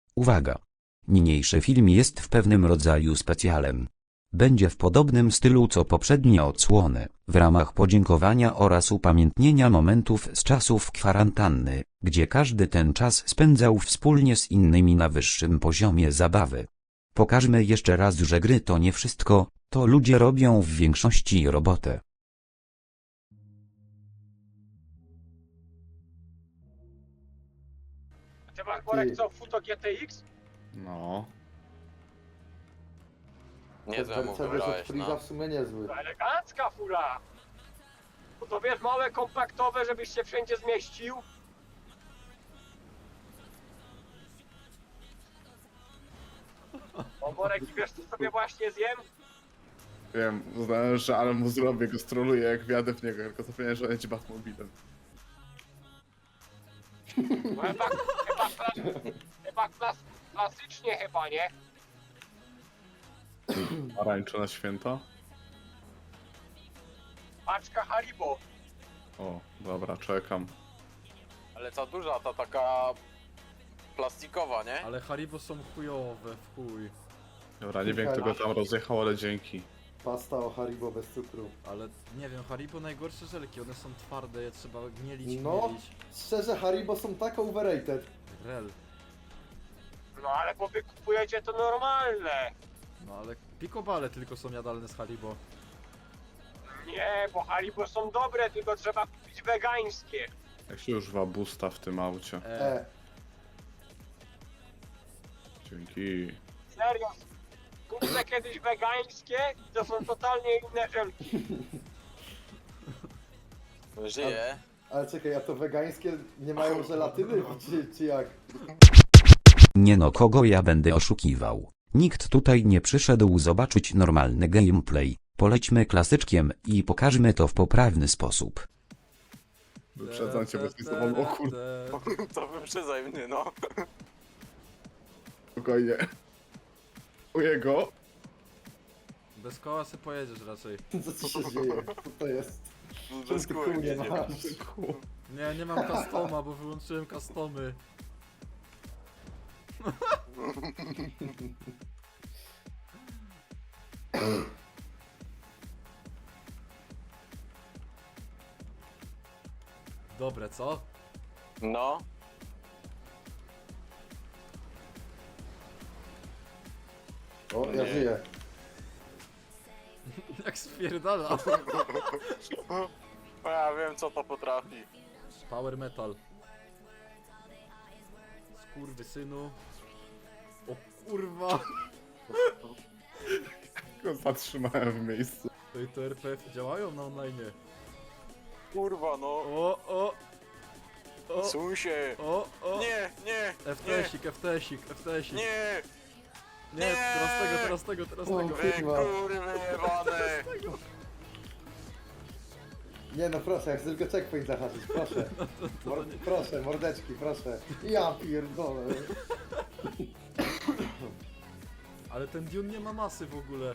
Uwaga! Niniejszy film jest w pewnym rodzaju specjalem. Będzie w podobnym stylu co poprzednie odsłony, w ramach podziękowania oraz upamiętnienia momentów z czasów kwarantanny, gdzie każdy ten czas spędzał wspólnie z innymi na wyższym poziomie zabawy. Pokażmy jeszcze raz, że gry to nie wszystko, to ludzie robią w większości robotę. Ty masz, Borek, co, Futo GTX? No. Niezłe mu Mercedes od wybrałeś, Freeza no. w sumie niezły. To elegancka fura! To wiesz, małe, kompaktowe, żebyś się wszędzie zmieścił. O, Borek, i wiesz, co sobie właśnie zjem? Wiem, uznałem, że ale mu zrobię, go stroluję jak wjadę w niego, tylko zapomniałem, że on jest Batmobilem. No klasycznie chyba, nie? Arańczo na święta? Paczka Haribo. O, dobra, czekam. Ale ta duża, ta taka plastikowa, nie? Ale Haribo są chujowe, w chuj. Dobra, nie wiem kto go tam rozjechał, ale dzięki. Pasta o Haribo bez cukru. Ale nie wiem, Haribo najgorsze żelki, one są twarde, je trzeba gnielić, No. gnielić. Szczerze, Haribo są tak overrated. Rel. No ale bo wy kupujecie to normalne. No ale pikobale tylko są jadalne z Haribo. Nie, bo Haribo są dobre, tylko trzeba kupić wegańskie. Jak się używa boosta w tym aucie? Dzięki. Serio. Kupcie kiedyś wegańskie, to są totalnie inne żelki. Żyje. Ale czekaj, a to wegańskie nie mają żelatyny? Czy jak? Nie no, kogo ja będę oszukiwał. Nikt tutaj nie przyszedł zobaczyć normalny gameplay. Polećmy klasyczkiem i pokażmy to w poprawny sposób. Wyprzedzam cię bez o kurde, To wyprzedzaj mnie, no. spokojnie. U jego. Bez koła se pojedziesz raczej. Co ci się dzieje? Co to jest? Bez Ty kół kół nie jedzie. masz. Nie, nie mam customa, bo wyłączyłem customy. Dobre, co? No. O, ja Nie. żyję. Jak spierdala. O, ja wiem co to potrafi. Power metal. Skurwysynu. O kurwa. Go zatrzymałem w miejscu. Ej, to RPF działają na online. Kurwa, no. O. Suń się. O. Nie, nie, FTSik, FTSik, FTSik. nie. Nie, teraz tego. O, Wy kurwa. kurwy jebane. Nie no proszę, jak tylko checkpoint zahaczyć, proszę. Proszę, mordeczki, proszę. Ja pierdolę. Ale ten Dune nie ma masy w ogóle.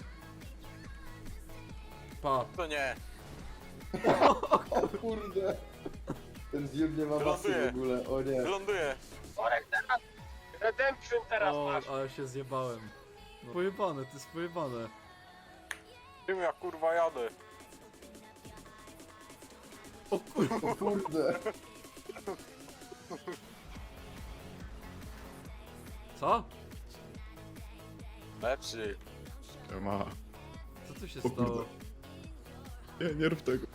Pa. To nie. O kurde. Ten Dune nie ma masy w ogóle, o nie. Wyląduję. Borek, teraz Redemption teraz O, masz. ale się zjebałem. No. Pojebane, to jest pojebane. Czym ja kurwa jadę? O kurwa. O kurde. Co? Lepszy. Ma. Co tu się O kurde. stało? Nie rób tego.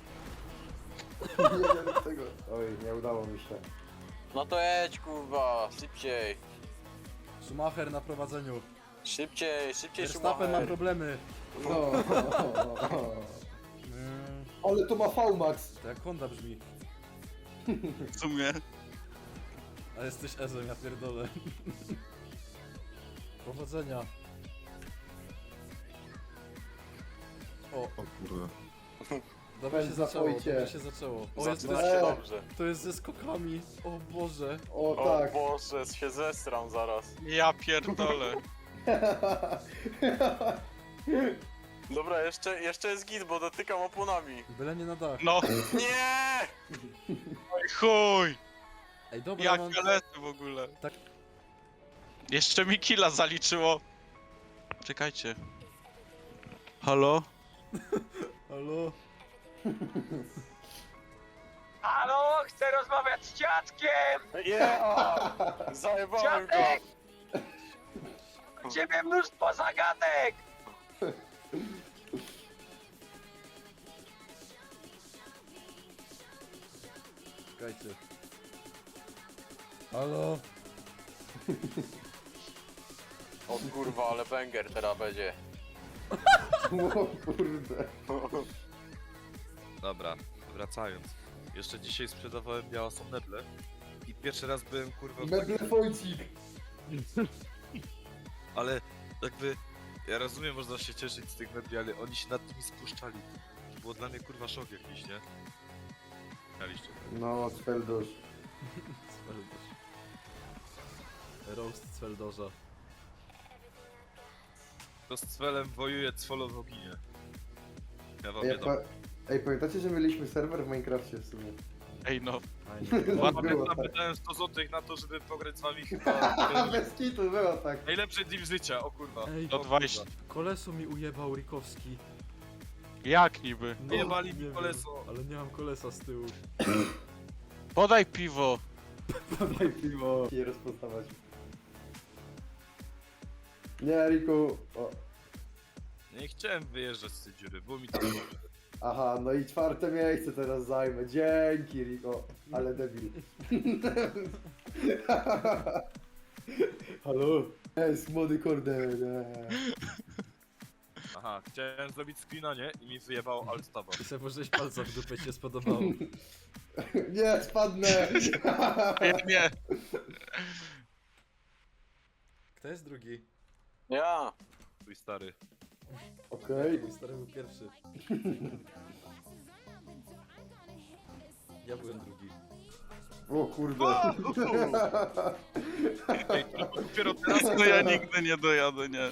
Nie wiem tego. Oj, nie udało mi się. No to jedź kurwa, szybciej. Schumacher na prowadzeniu. Szybciej Verstappen ma Schumacher. problemy. No. Ale to ma VMAX. To jak Honda brzmi. W sumie. A jesteś Ezem, ja pierdolę. Powodzenia. O, O kurde. dobrze się Pędz zaczęło, zapojcie. dobrze się zaczęło. O, jest, Zaczyna jest- się dobrze. to jest ze skokami. O Boże. O O tak. Boże, się zestram zaraz. Ja pierdolę. Dobra, jeszcze jest git, bo dotykam oponami. Byle nie na dach. No, Nie! chuj! Ej, dobra, Jak mam... galety w ogóle. Jeszcze mi killa zaliczyło. Czekajcie. Halo? Halo? Halo, chcę rozmawiać z dziadkiem! Zajebałem go! Dziadek! U ciebie mnóstwo zagadek! Czekajcie. Halo? O kurwa, ale banger teraz będzie. O kurde. Dobra, wracając. Jeszcze dzisiaj sprzedawałem białasą meble i pierwszy raz byłem kurwa w Meble Wojcik. ale jakby ja rozumiem, można się cieszyć z tych mebli, ale oni się nad nimi spuszczali. To było dla mnie kurwa szok jakiś, nie? Mieliście. No, Sfeldosz. Cweldosz. Roast Cweldorza. To z Cwelem wojuje, Cwolo w oginie. Ja wam Ej, nie dam. ej, pamiętacie, że mieliśmy serwer w Minecrafcie w sumie? Ej no. Fajnie. Ładnie Było tak. wydałem 100 zł na to, żeby pograć z wami chyba Bez kitu, było tak. najlepszy deal życia, o kurwa. Ej, To O 20. kurwa. Koleso mi ujebał Rikowski. Jak niby? No, Jebali mi nie wiem, koleso. Ale nie mam kolesa z tyłu. Podaj piwo. Podaj piwo. Nie rozpoznawać. Nie, Riku. O. Nie chciałem wyjeżdżać z tej dziury, było mi tam dobrze. Aha, no i czwarte miejsce teraz zajmę. Dzięki, Riko. Ale debil. Halo? Jest młody kurde. Aha, chciałem zrobić screena, nie? I mi wyjebało alt-taba. I sobie położyłeś palca w dupę, ci się spodobało. Nie, spadnę. Nie. Kto jest drugi? Ja! Twój stary. Okej. Mój stary był pierwszy. Ja byłem drugi. O kurde. Ej, to dopiero teraz To ja nigdy nie dojadę, nie.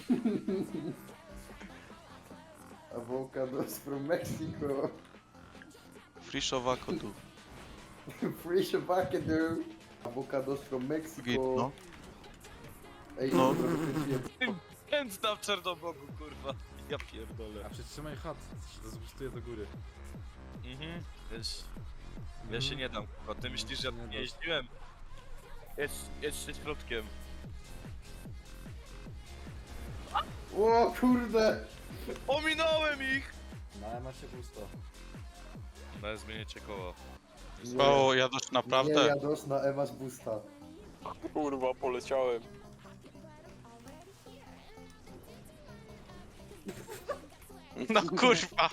Avocados from Mexico. Friszowako tu. Fresh avocado. Avocados from Mexico. Git, no. Ej, No. trochę kręciłem. pędzda w Czernobogu, kurwa. Ja pierdolę. A przytrzymaj chat, się to zbustuje do góry. Mhm. Wiesz, ja się nie dam, kurwa. Ty myślisz, że ja tu nie jeździłem? Jedź środkiem. O kurde. Ominąłem ich! Na macie pusto. No, zmienicie koło. O, jadosz Nie naprawdę? jadosz na Ewa's Busta. Kurwa, poleciałem. No kurwa.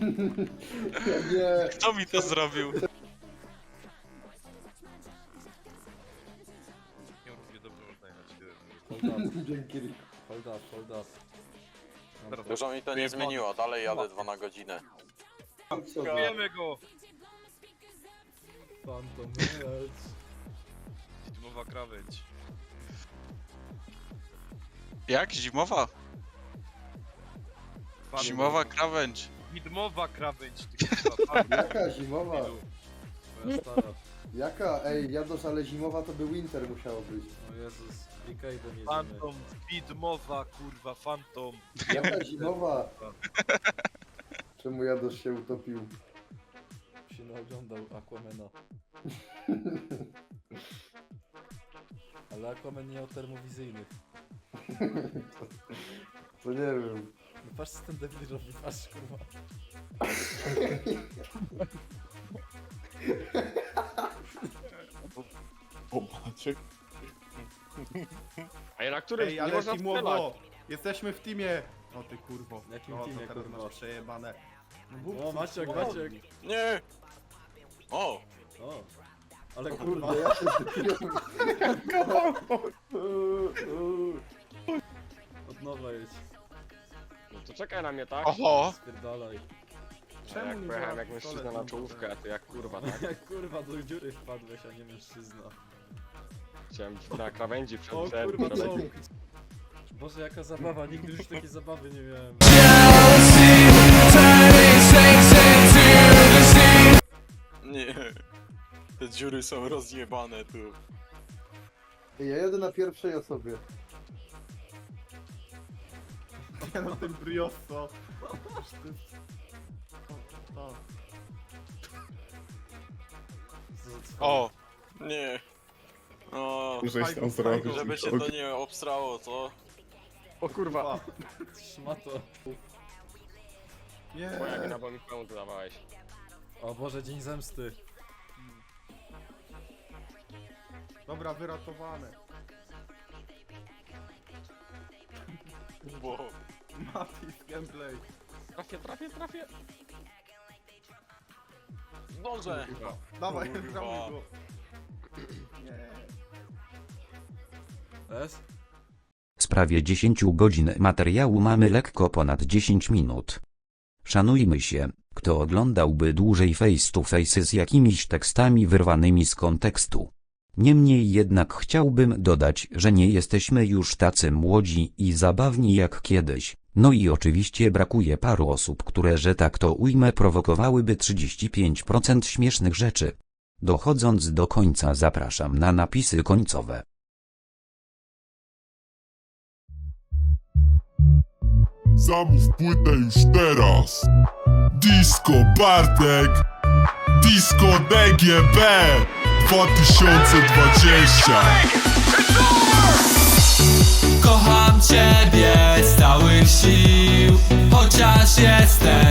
Nie. Kto mi to zrobił? Nie równie dobrze można jechać. Hold up, Dzięki Riku. hold up, hold up. Teraz Dużo mi to nie zmieniło, dalej jadę 2 na godzinę. Kupujemy go! Phantom Edge. Zimowa krawędź. Jak? Zimowa? Zimowa krawędź. Widmowa krawędź, ty kurwa. Jaka zimowa? Moja stara. Jaka? Ej, jadosz, ale zimowa to by winter musiało być. O Jezus, Rikaiden jedziemy. Phantom, widmowa, kurwa, Phantom. Jaka zimowa? Czemu jadosz się utopił? Się naoglądał Aquamena. Ale Aquaman nie miał termowizyjnych. To nie wiem. No patrz co ten debil robi, patrz kurwa. A na którym Ej, nie ale można strzelać? teamowo! Jesteśmy w teamie! O ty kurwo. W jakim No, teamie, to teraz kurwa? masz przejebane. No, mów, O Maciek, co- Maciek. Nie! O! O. Ale Kurde, kurwa. ja się zdepiłem. Od nowa jedź. No to czekaj na mnie, tak? Oho! Spierdalaj. Czemu Jak nie pojechałem działa jak mężczyzna pistolet na na czołówkę, a ty jak kurwa, tak? Jak kurwa do dziury wpadłeś, a nie mężczyzna. Chciałem na krawędzi O przed kurwa przed- czołg. Boże jaka zabawa, nigdy już takiej zabawy nie miałem. Nie. Te dziury są rozjebane tu. Ej, ja jadę na pierwszej osobie. Nie no, ten brioso. To. O, Nie. O, Żeś tam zrobił. żeby się to nie obstrało, co? O kurwa. Szmato. Nie. Moja gena, bo mi pełną dodawałeś. O Boże, dzień zemsty. Dobra, wyratowane. Bo... Matis gameplay. Trafię. Zdążę! Dawaj, Kurwa. gramuj go. Nie. S? Z prawie 10 godzin materiału mamy lekko ponad 10 minut. Szanujmy się, kto oglądałby dłużej face to face z jakimiś tekstami wyrwanymi z kontekstu. Niemniej jednak chciałbym dodać, że nie jesteśmy już tacy młodzi i zabawni jak kiedyś. No i oczywiście brakuje paru osób, które, że tak to ujmę, prowokowałyby 35% śmiesznych rzeczy. Dochodząc do końca zapraszam na napisy końcowe. Zamów płytę już teraz. Disco Bartek, Disco DGB 2020. Kocham ciebie z całych sił, chociaż jestem